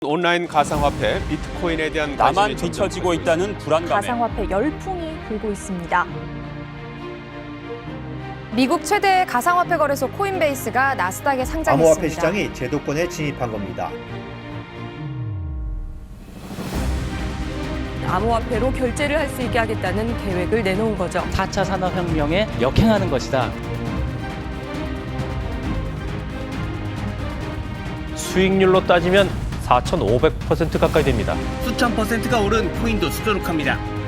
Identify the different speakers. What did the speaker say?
Speaker 1: 온라인 가상화폐 비트코인에 대한
Speaker 2: 나만
Speaker 1: 관심이
Speaker 2: 뒤처지고 있다는 불안감에
Speaker 3: 가상화폐 열풍이 불고 있습니다.
Speaker 4: 미국 최대의 가상화폐 거래소 코인베이스가 나스닥에 상장했습니다.
Speaker 5: 암호화폐 시장이 제도권에 진입한 겁니다.
Speaker 6: 암호화폐로 결제를 할 수 있게 하겠다는 계획을 내놓은 거죠.
Speaker 7: 4차 산업혁명에 역행하는 것이다.
Speaker 8: 수익률로 따지면 4,500% 가까이 됩니다.
Speaker 9: 수천 %가 오른 코인도 수두룩합니다.